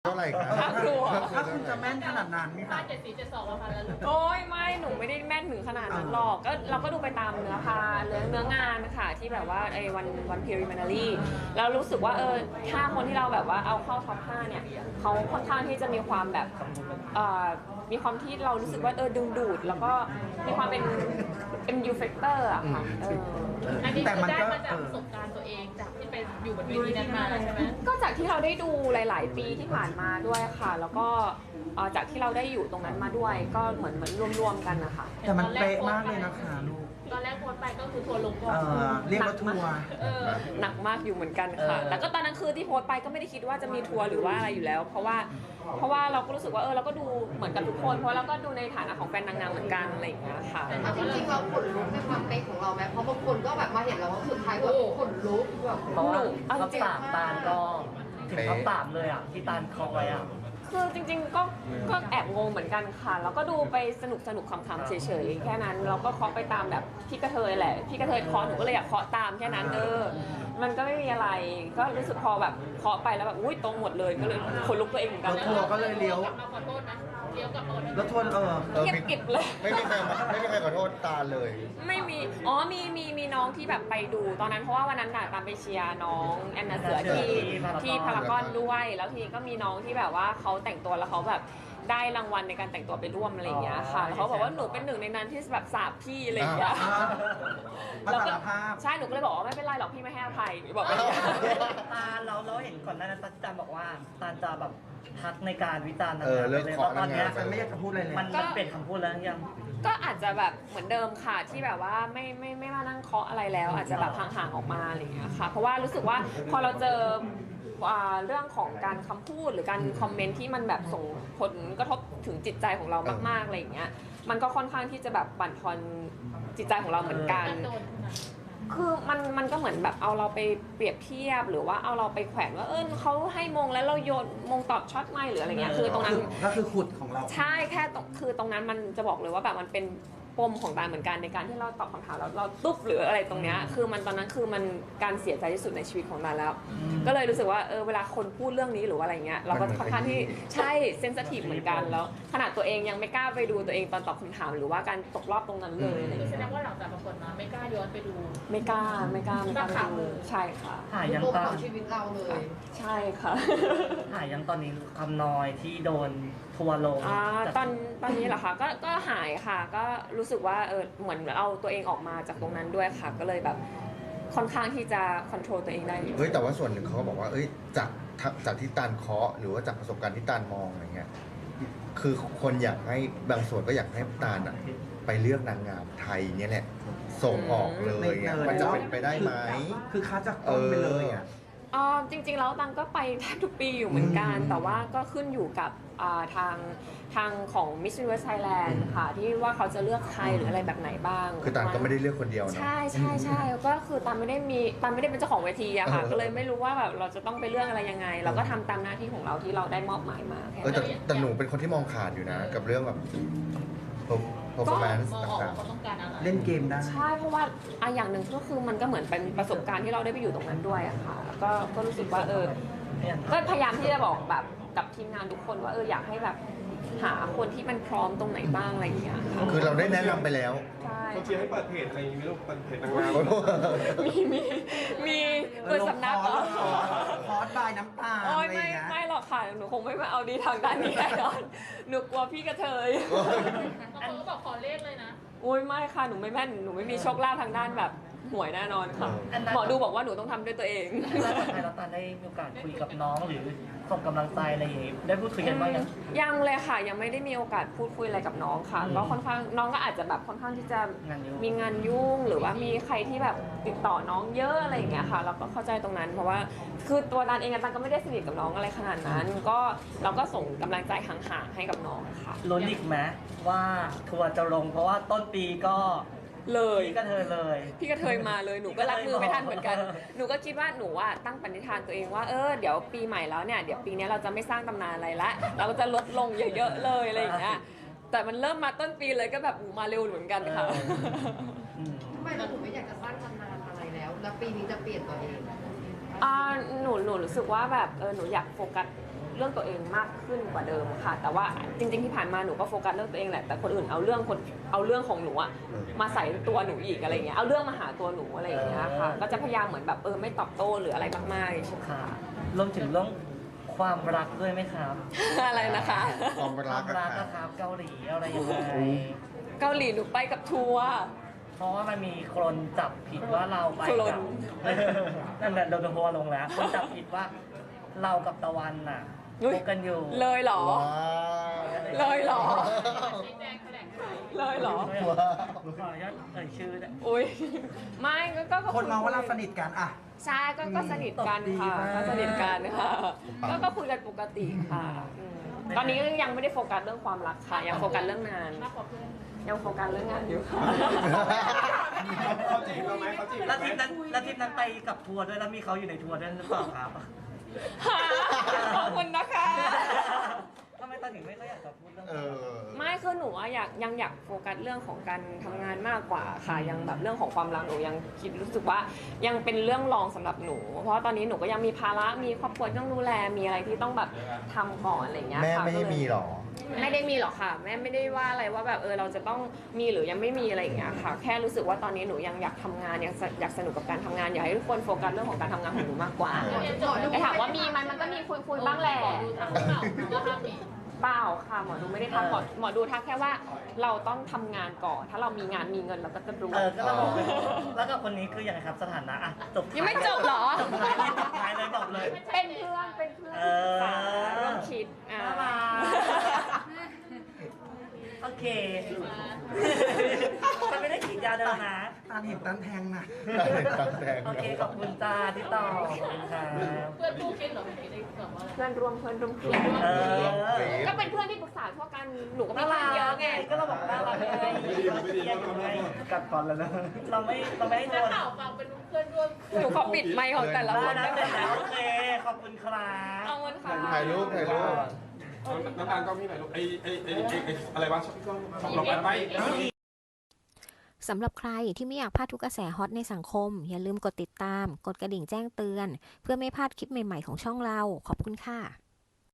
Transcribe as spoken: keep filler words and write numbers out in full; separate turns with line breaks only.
เท่าไหร่ครับ
ถ้าครัว
ถ้าคุณจะแม่นขนาดนั้นนี่
ป้า
ค่ะ
เจ็ดสี่เจ็ดสองประมาณนั้น
โอ้ยไม่หนูไม่ได้แม่นถึงขนาดนั้นหรอกก็เราก็ดูไปตามเนื้อพาเนื้อเนื้องานค่ะที่แบบว่าไอ้วันวันพิริมานารีแล้วรู้สึกว่าเออห้าคนที่เราแบบว่าเอาเข้าท็อปห้าเนี่ยเขาค่อนข้างที่จะมีความแบบเอ่อมีความที่เรารู้สึกว่าเออดึงดูดแล้วก็มีความเป็น เอ็ม ยู factor อะค่ะเออ
อันนี้
แต่
คือ
มัน
ได้
ก็
มาจาก
เออ
ประสบการณ์ตัวเองจากที่ไปอยู่บนเวทีนั้นมาใช่ไหม
ก็จากที่เราได้ดูหลาย ๆ ปีที่ผ่านมาด้วยค่ะ แล้วก็เอ่อจากที่เราได้อยู่ตรงนั้นมาด้วย ก็เหมือนเหมือนรวม ๆ กันนะคะ
แต่มันเป๊ะมากเลยนะคะลูก
ตอนแรกโพสต์ไปก็คือทัวร์ลงก่อ
เอน อเรียกว่าทัวร์
เออ
หนักมากอยู่เหมือนกันค่ะ แล้วก็ตอนนั้นคือที่โพสต์ไปก็ไม่ได้คิดว่าจะมีทัวร์หรือว่าอะไรอยู่แล้ว เพราะว่าเพราะว่าเราก็รู้สึกว่าเออเราก็ดูเหมือนกับทุกคน เพราะเราก็ดูในฐานะของแฟนนางงามเหมือนกันอะไรอย่างเงี้ยค่ะ
เอาจริงๆเราขนลุกในความเป๊ะของเราไหมเพราะบางคนก็แบบมาเห็นเราว่าสุดท้ายแบบขนลุกแบบ
เพราะว่า
เอาจ
ท็อป
ริง
สามตาลก็ถึงท็อปสามเลยอ่ะที่ตาลเคาะไว้อ่ะ
คือจริงๆก็ก็แอบงงเหมือนกันค่ะ แล้วก็ดูไปสนุกสนุกขำๆเฉยๆแค่นั้นเราก็เคาะไปตามแบบพี่กระเทยแหละพี่กระเทยเคาะหนูก็เลยอยากเคาะตามแค่นั้นเออมันก็ไม่มีอะไรก็รู้สึกพอแบบเคาะไปแล้วแบบอุ้ยตรงหมดเลยก็เลยขนลุกตัวเองเหมือนกัน
รถทัวร์ก็เลยเลี้ยว
กลับมาขอโทษนะเลี้ยวกลับมาขอโทษ
แล้วทัวร์เออ
เออ
เงียบ
มี
กริบเลย
ไม่มีใครไม่มีใครขอโทษตาเลย
ไม่มี อ๋อ มี มี มีน้องที่แบบไปดู ตอนนั้นเพราะว่าวันนั้นน่ะตามไปเชียร์น้องแอนนาเสือที่
ที่
ที่พา
พาราร
าก ก
อ
อน นด้วย แล้วทีนี้ก็มีน้องที่แบบว่าเขาแต่งตัวแล้วเขาแบบได้รางวัลในการแต่งตัวไปร่วมอะไรอย่างเงี้ยค่ะ แล้วเขาบอกว่าหนูเป็นหนึ่งในนั้นที่แบบสาบพี่อะไรอย่างเงี้ย
อ่ามา
แล้ว
สา
ก็
รภาพ
ใช่ หนูก็เลยบอกว่าไม่เป็นไรหรอกพี่ไม่ให้อภัยหนูบอกว่าอย่างเงี้ย
ตาลเราเราเห็นก่อนหน้านั้นตาลบอกว่าตาลจะแบบพักในการวิจารณ์
เออเลิก
เลย
เคาะ
ตอนเนี้ย
นางงาม
ฉันไม่อยากจะพูดอะไรเลย
มันมันเปลี่ยนคำพูดแล้วยัง
ก็อาจจะแบบเหมือนเดิมค่ะที่แบบว่าไม่ไม่ไม่มานั่งเคาะอะไรแล้ว อาจจะแบบห่างๆออกมาอะไรอย่างเงี้ยค่ะเพราะว่ารู้สึกว่าพอเราเจออ่าเรื่องของการคำพูดหรือการคอมเมนต์ที่มันแบบส่งผลกระทบถึงจิตใจของเรามากๆอะไรอย่างเงี้ยมันก็ค่อนข้างที่จะแบบบั่นทอนจิตใจของเราเหมือนกัน
โดนขนาด
คือมันมันก็เหมือนแบบเอาเราไปเปรียบเทียบหรือว่าเอาเราไปแขวนว่าเออเขาให้มงแล้วเราโยนมงตอบช็อตไม่หรืออะไรเงี้ยคือตรงนั้น
ก็คือขุดของเรา
ใช่แค่ตรงคือตรงนั้นมันจะบอกเลยว่าแบบมันเป็นปมของตาเหมือนกันในการที่เราตอบคำถามแล้วเราตุ๊บหรืออะไรตรงเนี้ยคือมันตอนนั้นคือมันการเสียใจที่สุดในชีวิตของตาแล้ว ก็เลยรู้สึกว่าเออเวลาคนพูดเรื่องนี้หรือว่าอะไรเงี้ยเราก็ค่อนข้างที่ใช่เซนซิทีฟเหมือนกันแล้วขนาดตัวเองยังไม่กล้าไปดูตัวเองตอนตอบคำถามหรือว่าการตกรอบตรงนั้นเลยอะไร
คือแส
เงี้ย
ดงว่าหลังจากประกวดมาไม่กล้าย้อนไปดู
ไม่กล้าไม่กล้าไม่กล้าไป
นักข่าว
ดูใช่ค่ะ
หายยัง
ปม
ตา
ข
ล
องชีวิตเราเลย
ใช่ค่ะ
หายยังตอนนี้คำน้อยที่โดนทัวร์ลง
อ่า
จาก
ตอนตอนนี้เหรอคะก็ก็หายค่ะ ก็รู้สึกว่าเออเหมือนเอาตัวเองออกมาจากตรงนั้นด้วยค่ะ ก็เลยแบบค่อนข้างที่จะคอนโทรลตัวเองได้อยู่
เฮ้ยแต่ว่าส่วนหนึ่งเขาก็บอกว่า เอ้ยจากจากที่ตาลเคาะหรือว่าจากประสบการณ์ที่ตาลมองอะไรเงี้ยคือคนอยากให้บางส่วนก็อยากให้ตาลอะไปเลือกนางงามไทยเนี่ยแหละส่งออกเลยอะมันจะเป็นไปได้ไหม
คือคัดจากต้นไปเลยอ่ะ
อ่าจริงๆแล้วตังก็ไปแทบทุกปีอยู่เหมือนกัน
อืม
แต่ว่าก็ขึ้นอยู่กับอ่าทางทางของ Miss Universe Thailand ค่ะที่ว่าเขาจะเลือกใครหรืออะไรแบบไหนบ้าง
คือตาลก็ไม่ได้เลือกคนเดียวนะ
ใช่ใช่ใช่ก็คือตามไม่ได้มีตามไม่ได้เป็นเจ้าของเวทีอะค่ะ
เออ
ก็เลยไม่รู้ว่าแบบเราจะต้องไปเลือกอะไรยังไง เราก็ทำตามหน้าที่ของเราที่เราได้มอบหมายมาแค่
เออ
นั้น
แต่แต่หนูเป็นคนที่มองขาดอยู่นะ กับเรื่องแบบ performance
มองออก
ต่าง
ว่าเขาต้องการอะไร
เล่นเกมได้
ใช่เพราะว่าอะอย่างหนึ่งก็คือมันก็เหมือนเป็นประสบการณ์ที่เราได้ไปอยู่ตรงนั้นด้วยอะค่ะแล้วก็ก็รู้สึกว่าเออก็พยายามที่จะบอกแบบกับทีมงานทุกคนว่าเอออยากให้แบบหาคนที่มันพร้อมตรงไหนบ้างอะไรอย่างเงี้ยค่ะ
ๆ คือเราได้แนะนำไปแล้ว
ใช่
เขาเชียร์ให้เปิดเพจอะไรอย่างงี้ไหมลูกเปิดเพจนางงาม
มีมีมีเปิดสำนักเหรอ
คอร์สบายน้ำตาล
โอ้
อะ
ย
ไรอ
ไม่
ย่างเงี้ย
ไม่หรอกค่ะหนูคงไม่มาเอาดีทางด้านนี้แน่นอนหนูกลัวพี่กระเทย
บางคนก็บอกขอเลขเลยนะ
โอ้ยไม่ค่ะหนูไม่แม่นหนูไม่มีโชคลาภทางด้านแบบหวยแน่นอนค่ะ
อันนั้น
หมอดูบอกว่าหนูต้องทำด้วยตัวเอง
แล้วสุดท้ายแล้วตาลได้มีโอกาสคุยกับน้องหรือส่งกำลังใจอะไรอย่างงี้ได้พูดคุยกันบ้างยัง
ยังเลยค่ะ ยังไม่ได้มีโอกาสพูดคุยอะไรกับน้องค่ะ
อืม
ก็ค่อนข้างน้องก็อาจจะแบบค่อนข้างที่จะ
งานยุ่ง
มีงานยุ่งหรือว่ามีใครที่แบบติดต่อน้องเยอะอะไรอย่างเงี้ยค่ะ เราก็เข้าใจตรงนั้น เพราะว่าคือตัวตันเองอะตันก็ไม่ได้สนิทกับน้องอะไรขนาดนั้น ก็เราก็ส่งกำลังใจห่างๆให้กับน้องค่ะ
ลุ้นอีกไหมว่าทัวร์จะลงเพราะว่าต้นปีก็
เลย
พี่ก็เธอเลย
พี่กระเทยมาเลยหนูก็รับมือไม่ทันเหมือนกัน หนูก็คิดว่าหนูอะตั้งปณิธานตัวเองว่าเออเดี๋ยวปีใหม่แล้วเนี่ยเดี๋ยวปีนี้เราจะไม่สร้างตำนานอะไรละเราก็จะลดลงเยอะๆเลยอะไรอย่างเงี้ยแต่มันเริ่มมาต้นปีเลยก็แบบอูมาเร็วเหมือนกันค่ะ
อืม
ทำไมเราถึงไม่อยากจะสร้างตำนานอะไรแล้ว แล้วปีนี้จะเปลี่ยนตัวเอง
อ่าหนูหนูรู้สึกว่าแบบเออหนูอยากโฟกัสเรื่องตัวเองมากขึ้นกว่าเดิมค่ะ แต่ว่าจริงๆที่ผ่านมาหนูก็โฟกัสเรื่องตัวเองแหละแต่คนอื่นเอาเรื่องคนเอาเรื่องของหนูอะมาใส่ตัวหนูอีกอะไรอย่างเงี้ยเอาเรื่องมาหาตัวหนูอะไรอย่างเงี้ยค่ะก็จะพยายามเหมือนแบบเออไม่ตอบโต้หรืออะไรมากๆใช่ไหม
ค่ะรวมถึงเรื่องความรักด้วยไหมครับ
อะไรนะคะ
ความ
ค
รั
วาก ม
อะ
รัก
ค่ะ
นะครับเกาหลีอะไรยังไง
เกาหลีหนูไปกับทัวร์
เพราะว่ามันมีคนจับผิดว่าเราไป
ค
กับ นั่นแหละโดนทัวร์ลงแล้วคนจับผิดว่าเรากับตะวันน่ะ
อุ๊ย
คบกันอยู่
เลยเหรอ
ว้าว
เลยเหรอ
ชี้แจงแถลงไข
เลยเหรอ
ว้าว
ขออนุญาตเอ่ยชื่อนะ
อุ้ยไม่ก็ก็ก็
คนมองว่าเราสนิทกันอะ
ใช่ก็ก็สนิทกันค่ะ
ตบดีมาก
ก็สนิทกันค่ะก็ก็คุยกันปกติค่ะอืมตอนนี้ยังไม่ได้โฟกัสเรื่องความรักค่ะ ยังโฟกัสเรื่องงาน
มากกว่าเพื่อน
ยังโฟกัสเรื่องงานอยู่ค่ะ
เขาจีบเราไหมเขาจีบ
แล้
เรา
ว
ไหม
ทริปนั้นแล้วทริปนั้นไปกับทัวร์ด้วยแล้วมีเขาอยู่ในทัวร์ด้วยหรือเปล่าครับ
ขอบคุณนะคะ
ทำไมตอนถึงไม่ก็อยากจะพูดเรื่อง
เออ
ไม่คือหนูอะอยากยังอยากโฟกัสเรื่องของการทำงานมากกว่าค่ะยังแบบเรื่องของความรักหนูยังคิดรู้สึกว่ายังเป็นเรื่องรองสำหรับหนู เพราะว่าตอนนี้หนูก็ยังมีภาระมีครอบครัวที่ต้องดูแลมีอะไรที่ต้องแบบทำก่อนอะไรอย่างเงี้ย
แม่
ค่ะ
ไม่ได้
ก็เลย
มีหรอ
ไม่ได้มีหรอกค่ะแม่ไม่ได้ว่าอะไรว่าแบบเออเราจะต้องมีหรือยังไม่มีอะไรอย่างเงี้ยค่ะ แค่รู้สึกว่าตอนนี้หนูยังอยากทำงานยังอยากสนุกกับการทำงานอยากให้ทุกคนโฟกัสเรื่องของการทำงานของหนูมากกว่า
เออ
แต่ถามว่ามีไหมมันก็มีคุยคุยๆบ้างแหละ
ดูทางเก่าก็ห้ามมี
เปล่าค่ะหมอดูไม่ได้ทักหมอหมอดูทักแค่ว่าเราต้องทำงานก่อน ถ้าเรามีงานมีเงินเราก็จะรู้
เออก็เราบอกเลยแล้วกับคนนี้คือยังไงครับสถานะอ่ะจบท้า
ยังไม่จบเหรอ
จบท้ายเลยจบท้ายเลยบอกเลย
เป็นเพื่อนเป็นเพื่อน
เออ
ค่ะร่วมคิดอ่า
น่ารักโอเคมันไม่ได้ขีดยาเดินนะ
ตาเห็นตันแทงนะ
ตั้งแต่
โอเคขอบคุณจ้าที่ต่อขอบคุณครับ
เพื่อนคู่คิดเหรอไม่ได้แบบว่า
เพื่อนร่วมเพื่อนร่วมคิด
เออ
ก็เป็นเพื่อนที่ปรึกษาทั่วกันหนูก็มี
น่า
เพื่
รั
อนเยอะ
ก
ไง
ก็เราบอกน่ารักไง
ไม่ดีไม่ดีไม่ดี
กัดฟันแล้วนะ
เราไม่เราไม่ให้โด
นัก
น
ข่าวฟังเป็นเพื่อนร่วม
หนูขอปิดไมค์ของแต่ละค
ได้
น
นะ
ได้ไหม
เสร็จแล้วโอเคขอบคุณครับ
เอาเงินค่ะ
ถ่ายรูปถ่ายรูป
น้ำตาลก็มีหน่อยลูกไอ้ไอ้ไอ้ไอ้ไอ้อะไรวะช่องเราไป
สำหรับใครที่ไม่อยากพลาดทุกกระแสฮอตในสังคม อย่าลืมกดติดตาม กดกระดิ่งแจ้งเตือน เพื่อไม่พลาดคลิปใหม่ๆของช่องเรา ขอบคุณค่ะ